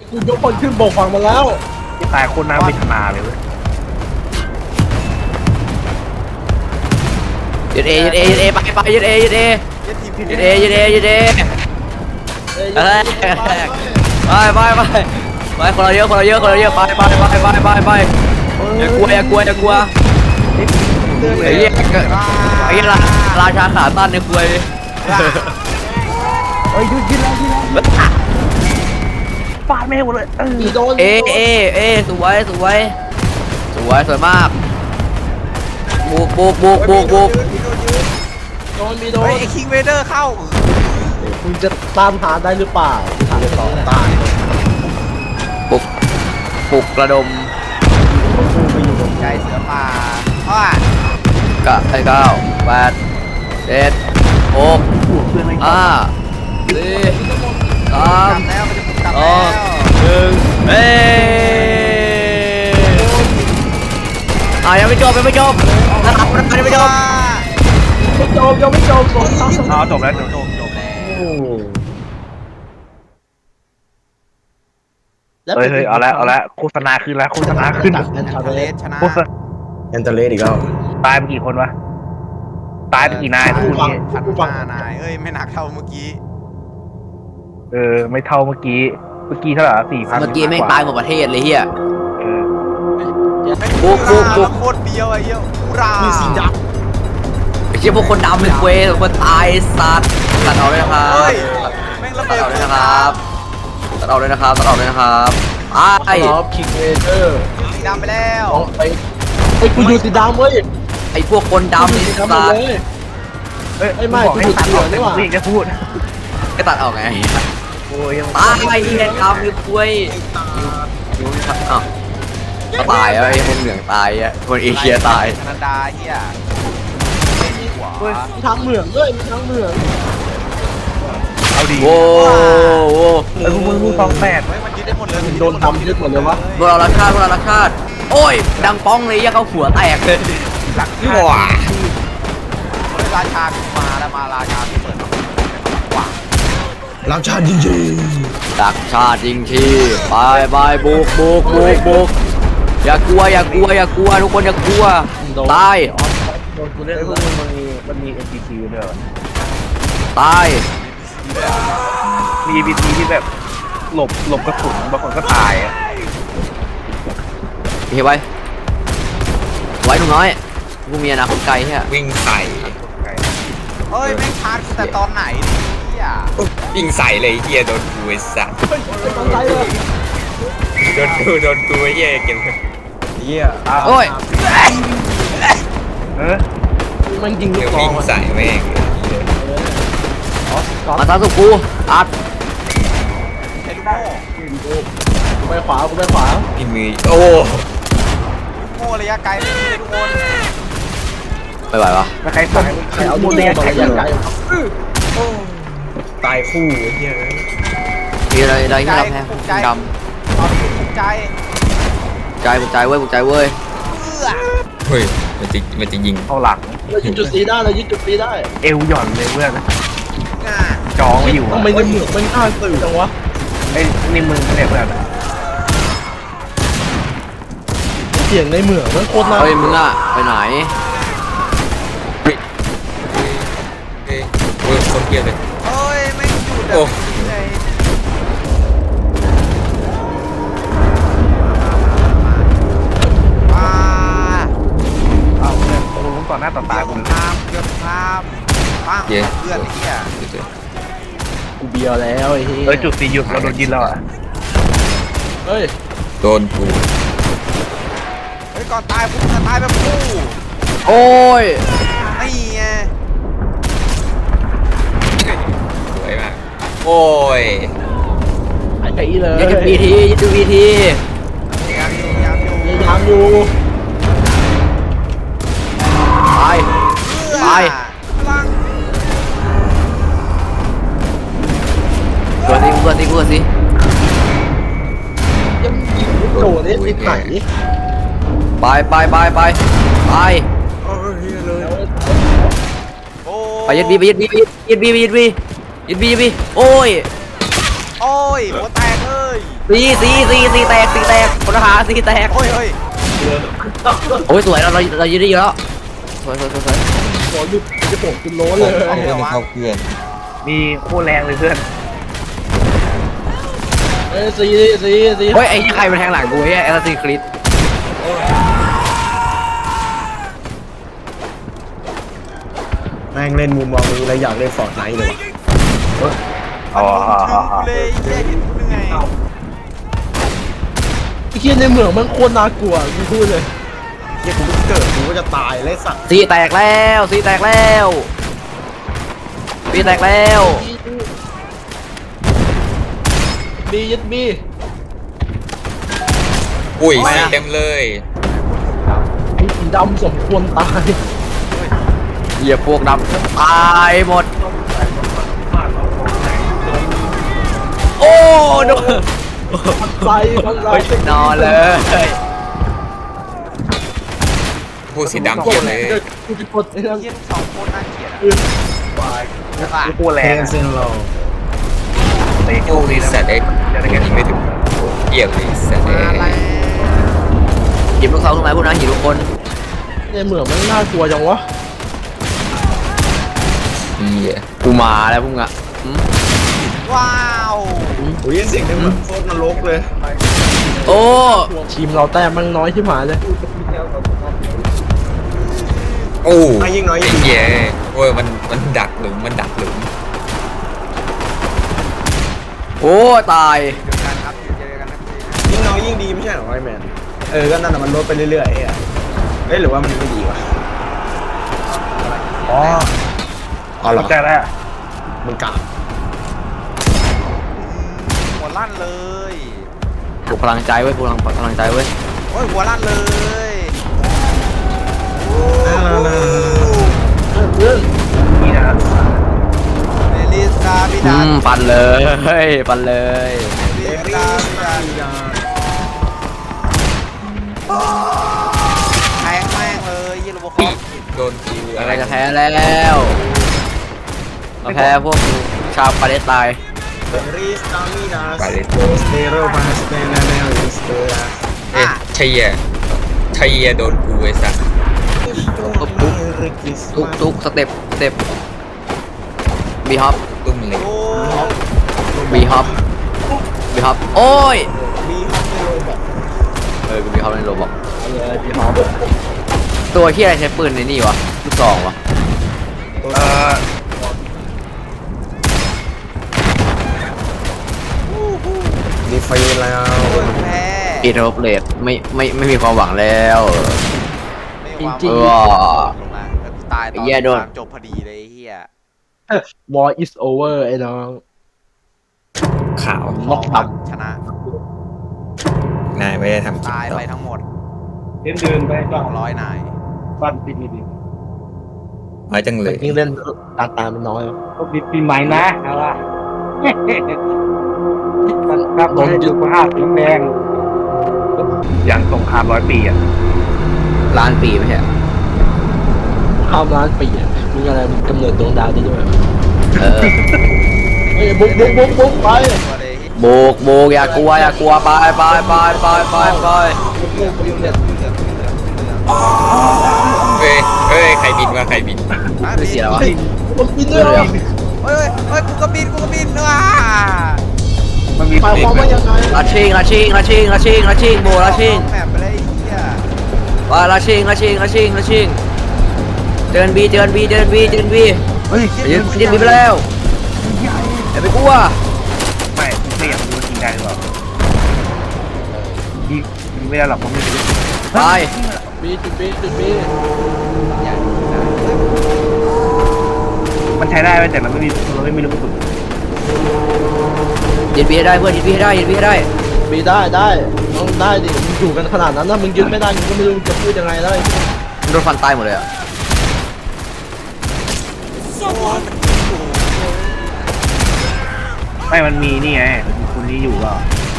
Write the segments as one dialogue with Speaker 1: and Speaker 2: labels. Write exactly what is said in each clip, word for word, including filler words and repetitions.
Speaker 1: กูยกคนขึ้นบกฝั่งมาแล้ว
Speaker 2: ที่ตายคนน้าวิทนาเลยเว้ย
Speaker 3: ยืดเอยืดเอยืดเอไปไปยืดเอยืดเอยืดเอยืดเอยืดเอเฮ้ยไปไปไปไปคนเราเยอะคนเราเยอะคนเราเยอะไปไปไปไปไปไปอย่ากลัวอย่ากลัวอย่ากลัวไอ้เหี้ยไอ้เหี้ยราชาขาตั้นในควย
Speaker 2: เฮ้ยยืดยืดแล้วยืดแล้วฟาดไม่ให้หมดเลยเออ
Speaker 1: อีโดน
Speaker 3: เอเอเอสวยสวยสวยสวยมากบุกบุกบุกบุกบุก
Speaker 1: โดนมีโดน
Speaker 4: เฮ้ยไอ้คิงเวเดอร์เข้า
Speaker 1: คุณจะตามหาได้หรือเปล่าถามต่อตาย
Speaker 3: บุกบุกระดม
Speaker 4: ใจเสือป่าอ้าก
Speaker 3: ะไอ้เก้าแปดเจ็ดหกห้าสี่สาก
Speaker 4: ลั
Speaker 3: ม
Speaker 4: บแล้วมันจะกลับ
Speaker 3: ส
Speaker 4: แล้
Speaker 3: อง
Speaker 4: ว
Speaker 3: หนึ่งเอ้อ่ะยังไม่จบยังไม่จบนะครับยังไม่จบ
Speaker 1: ไม่จบยังไม่จบสองสาม
Speaker 2: อ๋อจบแล้วจบ
Speaker 4: จบจบแล้ว
Speaker 1: โอ้
Speaker 2: เฮ้ยเฮ้ยเอาละเอาละโฆษณาขึ้นแล้วโฆษณาขึ้น
Speaker 1: จากแอน
Speaker 4: ทะ
Speaker 1: ทา
Speaker 4: เล
Speaker 1: เลส
Speaker 4: ชนะ
Speaker 2: โฆษณา
Speaker 5: แอนเตเลสอีกแล้ว
Speaker 2: ตายไปกี่คนวะตายไปกี่นายพูดนี้
Speaker 4: พันห้านายเอ้ยไม่หนักเท่าเมื่อกี้
Speaker 2: เออไม่เท่าเมื่อกี้เมื่อกี้เท่าไหร่สี่พัน
Speaker 3: เมื่อกี้แม่งตายหมดประเทศเลยเฮีย
Speaker 2: เออ
Speaker 3: บุกบุกบุก
Speaker 4: โคตรเบี้ยวไอ้เหี้ยอุรา
Speaker 1: มีสีด
Speaker 3: ไอ้เชี่ยพวกคนดำเป็นเควสคนตายสัตว์ตัดออกเลยนะครับ
Speaker 4: เฮ้ยแม่งระ
Speaker 3: ตัด
Speaker 4: เบิด
Speaker 3: ออกเลยนะครับตัดออกเลยนะครับตัดออกเลยนะครับไอ้
Speaker 1: ำครับคิงเวเดอร์
Speaker 4: สีดำไปแล้ว
Speaker 1: ลองไปไอ้กูอยู่สีดำเว้ย
Speaker 3: ไอ้พวกคนดำนี่
Speaker 1: สี
Speaker 3: สัต
Speaker 1: ดำหมด
Speaker 3: ว์
Speaker 1: เลย
Speaker 2: เอ้ย
Speaker 1: ไอ้ไม่
Speaker 2: บอกให้
Speaker 1: กู
Speaker 2: ตัดออก
Speaker 1: เถื่อนนี่
Speaker 2: แต่
Speaker 1: หว่า
Speaker 2: กูอีกจะพูด
Speaker 3: ก็ตัดออกไง
Speaker 2: โอ้ยยัง
Speaker 3: ตายไอ้เหี้ยดำคือควยยูนี่ครับอ้าวก็ตายแล้วไอ้คนเหลืองตายอ่ะคนเอเชียตาย
Speaker 4: แคนาดาเหี้ยหัว
Speaker 1: มีทางเหมืองด้วยมีทางเหมือง
Speaker 2: เอาดี
Speaker 3: โว้โว้
Speaker 2: เออมึงมึงสองแปด
Speaker 4: เฮ้ยมันยึดได้หมดเลย
Speaker 1: โดนทำยึดหมดเลยวะ
Speaker 3: พวกเรารักชาติพวกเรารักชาติโอ้ยดังป้องเลยยังเขาหัวแตกเลย
Speaker 4: หลัก
Speaker 3: ว้า
Speaker 4: เฮ้ยราชาขึ้นมาแล้วมาราชาที่เปิดมาว้า
Speaker 5: รักชาติจริง
Speaker 3: รักชาติจริงที่ไปไปบุกบุกบุกบุกอย่ากลัวอย่ากลัวอย่ากลัวทุกคนอย่ากลัวตาย
Speaker 1: โดนกูเล่น
Speaker 2: เฮ้ย
Speaker 1: แล้ว
Speaker 2: มันมีมันมี เอ็น พี ซี ด้วยเหรอ
Speaker 3: ตาย
Speaker 2: มี เอ็น พี ซี ที่แบบหลบหลบกระสุนบางคนก็ตายอ่ะ
Speaker 3: เฮ้ยไว้ไว้หนุ่มน้อยกูมีอนาคตไกลแค่
Speaker 5: ๆวิ่งใส่
Speaker 4: เฮ้ยแม่งชาร์จแต่ตอนไหนเนี่ย
Speaker 5: วิ่งใส่เลยไอ้เฮียโดนกูไอ้สัส
Speaker 1: ตั้งใจเลย
Speaker 5: โดนกูโดนกูไอ้เฮียเก็บเฮีย
Speaker 3: โอ้ย
Speaker 2: เออ
Speaker 1: มันยิงลู
Speaker 5: เดี๋ย
Speaker 1: ก
Speaker 5: ว
Speaker 1: ซอ
Speaker 5: วิ่
Speaker 1: ง
Speaker 5: งใส่แม่ง
Speaker 3: มาตามสุกูอัด
Speaker 4: ใช้ลูกโม่
Speaker 1: กูไปขวากูไปขวา
Speaker 5: พี่มือโอ้
Speaker 4: ลูกโม่ระยะไกลไม่ใช่ลูกโม่
Speaker 3: ไม่ไหวปะ
Speaker 2: แล้วใครสั่ง
Speaker 1: ใครเอาลูกโม่มาระยะไกล
Speaker 5: ตายคู่ไอ้เฮีย
Speaker 3: มีอะไรอะไรที่เราแพ้ดำ
Speaker 4: ใจ
Speaker 3: ใจบุกใจเว้ยบุกใจเว้ย
Speaker 4: เอื้อ
Speaker 5: เฮ้ยมันจะมันจะยิง
Speaker 2: เข้าหลัง
Speaker 1: เรายึดจุดสีได้เรายึดจุดสีได้
Speaker 2: เอวหย่อนเลยเพื่อน
Speaker 4: ง่า
Speaker 2: จองไว้อยู่
Speaker 1: ทำไมในเหมืองมันข้าสื่อจังวะ
Speaker 2: ไอ้นี่มึงเนี่ยเพื่อน
Speaker 1: เสียงในเหมืองมันโคตรน่า
Speaker 3: เฮ้ยมึงอะไปไหน
Speaker 5: เฮ้ยเฮ้ยเฮ้ยคนเฮียเลย
Speaker 4: เฮ้ยไม่หยุด
Speaker 5: โอ้
Speaker 4: อ่ะเลยมา
Speaker 2: เอาเพื่อนกูรู้ต่อหน้าต่อตา
Speaker 4: ตาย
Speaker 2: กู
Speaker 4: ผมข้ามเกือบข้ามป้าเพื่อนไอ้เหี้ย
Speaker 1: กูเบียวแล้วไอ้เหี้ย
Speaker 2: เออจุดสี่หยุดเราโดนยิงแล้วอ่ะ
Speaker 1: เฮ้ย
Speaker 5: โดนกู
Speaker 4: เฮ้ยก่อนตายปุ๊บจะตายแบบคู่
Speaker 3: โอ้ย
Speaker 4: นี่ไง
Speaker 5: สวยมากโอ้ย
Speaker 1: ไอ้ไอ้เลย
Speaker 3: ยัดดูวีทียัดดูวีที
Speaker 4: ยามอยู่ยามอยู่
Speaker 1: พยายามอยู่
Speaker 3: ตาย ไป
Speaker 4: พลัง
Speaker 3: เกิดสิเกิดสิเกิดสิ
Speaker 1: ยังยิงลูกโดดได้ติดไหน
Speaker 3: ไปไปไปไปไป
Speaker 4: โอ้
Speaker 3: ไปยัดบีไปยัดบียัดบียัดบียัดบียัดบียัดบีโอ้ย
Speaker 4: โอ้ยหัวแตกเลย
Speaker 3: สีสีสีสีแตกสีแตกพลทหารสีแตก
Speaker 4: โอ้ยเฮ้ย
Speaker 3: โอ้ยสวยเราเราเรายืนได้เยอะแล้วสวยสวยสวยสวย
Speaker 1: ขอหยุดจะตกจนโล้นเลย
Speaker 5: เอาเพื่อนเข้าเพื่อน
Speaker 2: มีโคตรแรงเลยเพื่อน
Speaker 1: เอ้ยสีสีสี
Speaker 3: เฮ้ยไอ้ที่ใครมันแทงหลังกูไอ้แอสซิสคริส
Speaker 1: แม่งเล่นมุมมองนี้แล้วอยากเล่นฟอร์ดไนท์เลยวะ
Speaker 2: อ๋อ
Speaker 4: เลยแย่เห็นกูยังไง
Speaker 1: ไอ้เหี้ยในเมืองมันโคตรน่ากลัวกูพูดเลยเหี้ยกูเพิ่งเกิดกูก็จะตายเลยสัตว์
Speaker 3: สีแตกแล้วสีแตกแล้วสีแตกแล้ว
Speaker 1: บียึดบี
Speaker 5: อุ้ยสีเต็มเลย
Speaker 1: ไอ้สีดำสมควรตาย
Speaker 3: เหยียบพวกดำตายหมดโอ้โดน
Speaker 1: ไฟมันไร
Speaker 3: นอนเลย
Speaker 5: พูดสีดำเทียบเลย
Speaker 1: กูจะกดไอ้นั่น
Speaker 4: เยี่ยมสองคนน่าเกลียดอ่ะ
Speaker 1: คือ
Speaker 2: โคตรแรงอะ
Speaker 1: เซนโล
Speaker 2: เตะโค
Speaker 5: โอ้
Speaker 2: ตร
Speaker 5: ย
Speaker 2: ดีนะ
Speaker 5: สัตว์เอ็ก
Speaker 2: จะได้แค่
Speaker 5: ยิงไม่ถึงเกี่ยวเลยสัตว์เอ็
Speaker 4: มาแล้ว
Speaker 5: ก
Speaker 3: หยิบลูกเขาขึ้นมาพวกนั้นหยิบทุกคน
Speaker 1: ในเมืองมันน่ากลัวจังวะ
Speaker 5: เหี้ย
Speaker 3: กูมาแล้วพวกมึงอะหืม
Speaker 4: ว้าว
Speaker 1: โอ้ยเสียงในเมืองโคตรนรกเลย
Speaker 3: โอ้
Speaker 1: ทีมเราแต้มมันน้อยที่หมาเลย
Speaker 5: โอ้
Speaker 1: อ่ะยิงน้อยยิ
Speaker 5: ไอ้
Speaker 1: ง
Speaker 5: เหี้ยโอ้ยมันมันดักหลุมมันดักหลุม
Speaker 3: โอ้ตาย
Speaker 4: เจอกันครับเจอกันนะ
Speaker 1: ยิ่งน้อยยิ่งดีไม่ใช่เหรอไอแมนเออก็นั่นน่ะมันลดไปเรื่อยๆเอ้ยเอ้ยหรือว่ามันไม่ดีวะอ๋ออ๋อเหรอ
Speaker 2: เข้าใจแล้ว
Speaker 1: มึงกลับ
Speaker 4: หัวลั่นเลย
Speaker 3: ปลุกพลังใจไว้ปลุกพลังพลังใจไว้
Speaker 4: โอ้ยหัวลั่นเลย
Speaker 1: เรื่อง
Speaker 2: นี่นะ
Speaker 4: เอลิสกาพิ
Speaker 3: อื
Speaker 4: ดาน
Speaker 3: มปันเลยเฮ้ยปันเลย
Speaker 4: เอลิสกาพิดานแทงแม่งเลยยี่ลูกคอ
Speaker 5: โดนกู
Speaker 3: อะ
Speaker 5: อะไร ไร
Speaker 3: จะแพ้แล้วมาแพ้พวกชาวปาเลสไตน์
Speaker 1: รีสตามินา
Speaker 5: ไปเลย
Speaker 1: สเตโรพาสเตนาเนลสเตรา
Speaker 5: เอ๊ะชัยเยชัยเยโดนกูไอ้สัตว์
Speaker 3: ทุกทุกสเต็ปสเต็ปบีฮอป
Speaker 5: ตุ้มเหล็ก
Speaker 4: โอ้
Speaker 3: บีฮอปบีฮอปโอ้ย
Speaker 1: มีฮอปในโรบอก
Speaker 3: เออกูบีฮอปในโรบอก
Speaker 1: เลยมีฮอป
Speaker 3: ตัวที่อะไรใช้ปืนในนี่วะลูกซองวะ
Speaker 2: เออ
Speaker 1: ดีไฟแล้ว
Speaker 4: แพ้
Speaker 3: อีโรเลตไม่ไม่ไม่มีความหวังแล้ว
Speaker 4: ไม่วาง
Speaker 3: จริง
Speaker 4: ล
Speaker 3: ๆ
Speaker 4: งมาตายตอน
Speaker 3: ไอ้เหี้ยโดน
Speaker 4: สามจบพอดีเลยไอ้เฮีย
Speaker 1: War is over ไอ้น้อง
Speaker 5: ขาว
Speaker 3: ล็อกตับ
Speaker 4: ชนะ
Speaker 5: นายไม่ได้ทำจริง
Speaker 4: ตาย
Speaker 5: ต่อ
Speaker 4: ไปทั้งหมด
Speaker 2: เดินเดินไป
Speaker 4: ส
Speaker 2: ก่อ
Speaker 4: อน งร้อยนาย
Speaker 2: ฟันปีนี้ดิ
Speaker 5: น้อยจังเลย
Speaker 1: ยิ่งเล่นตาตามันน้อย
Speaker 2: ก็ปีปีใหม่นะเอาล่ะครับโดนจุดภาพสีแดงอย่างสงครามร้อยปีอ่ะ
Speaker 3: ล้านปีไม่ใช่
Speaker 1: ข้ามล้านปีอ่ะมึงอะไรมึงกำเนิดดวงดาวได้ด้วย
Speaker 3: เออ
Speaker 1: เฮ้ยบุ๊กบุ๊กบุ๊กบุ๊กไป
Speaker 4: ตัวเลย
Speaker 3: โบกโบกอย่ากลัวอย่ากลัวไปไปไปไปไปไป
Speaker 1: บุ๊กบุ๊กบุ๊กเนี่ย
Speaker 5: เฮ้ยเฮ้ยใครบินวะใครบิน
Speaker 3: ไม่เสียแล้ววะ
Speaker 1: มันบินด้วยเหรอ
Speaker 4: เฮ้ยเฮ้ยกูก็บินกูก็บินว้า
Speaker 2: มันมี
Speaker 1: หมายความว่ายังไง
Speaker 3: ลาชิงลาชิงลาชิงลาชิงลาชิงโบลาชิง
Speaker 4: แมปไปเลยไอ้เฮีย
Speaker 3: ไปลาชิงลาชิงลาชิงลาชิงเดินบีเดินบีเดินบีเดินบี
Speaker 2: เฮ้ย
Speaker 3: เดินเดินบีไปแล้วอย่าไปกลัว
Speaker 2: ไม่ไม่อยากรู้จริงได้หรือเปล่ายิงยิงไม่ได้หรอกผมไม่รู้
Speaker 3: ไป
Speaker 1: บีจุดบีจุดบี
Speaker 2: มันใช้ได้ไหมแต่มันไม่มีมันไม่มีลูกกระสุน
Speaker 3: ยืนบีให้ได้เพื่อนยืนบีให้ได้ยืนบีให้ได้
Speaker 1: บีได้ได้ต้องได้ดิมึงอยู่กันขนาดนั้นนะมึงยึดไม่ได้มึงก็ไม่รู้จะพูดยังไงได้
Speaker 3: โดนฟันตายหมดเลยอ่ะ
Speaker 2: ไม่มันมีนี่ไงมันมีคนนี้อยู่ก็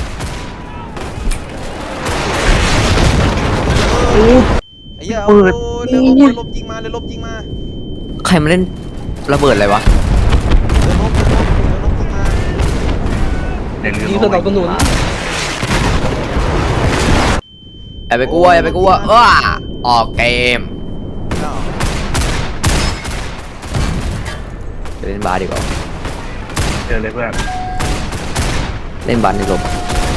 Speaker 4: ไอ้เหี้ยเอาเรือลบเรือลบยิงมาเรือลบยิงมา
Speaker 3: ใครมาเล่นระเบิดอะไรวะ
Speaker 4: เรือลบเรือลบเรือลบยิงมา
Speaker 2: เดี๋ยวลืม
Speaker 1: ยิงส
Speaker 2: เอา
Speaker 1: นับสนุน
Speaker 3: เอย่าไปกลัวอย่าไปกลัวเออออกเกมจะเล่นบาสดีกว่า
Speaker 2: เจอเลยเพื่อน
Speaker 3: เล่นบาสในโรบอท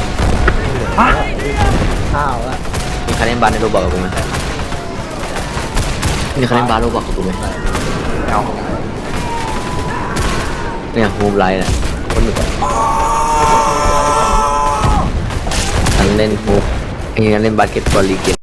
Speaker 1: ข้าวละ
Speaker 3: มีใครเล่นบาสในโรบอทกับกูไหมมีใครเล่นบาสโรบอทกับกูไหม
Speaker 2: เอา
Speaker 3: เนี่ยฮูมไลท์เนี่ยคนหนึ่งฉันเล่นฮูมไอ้งั้นเล่นบาสเกตบอลลีกเกม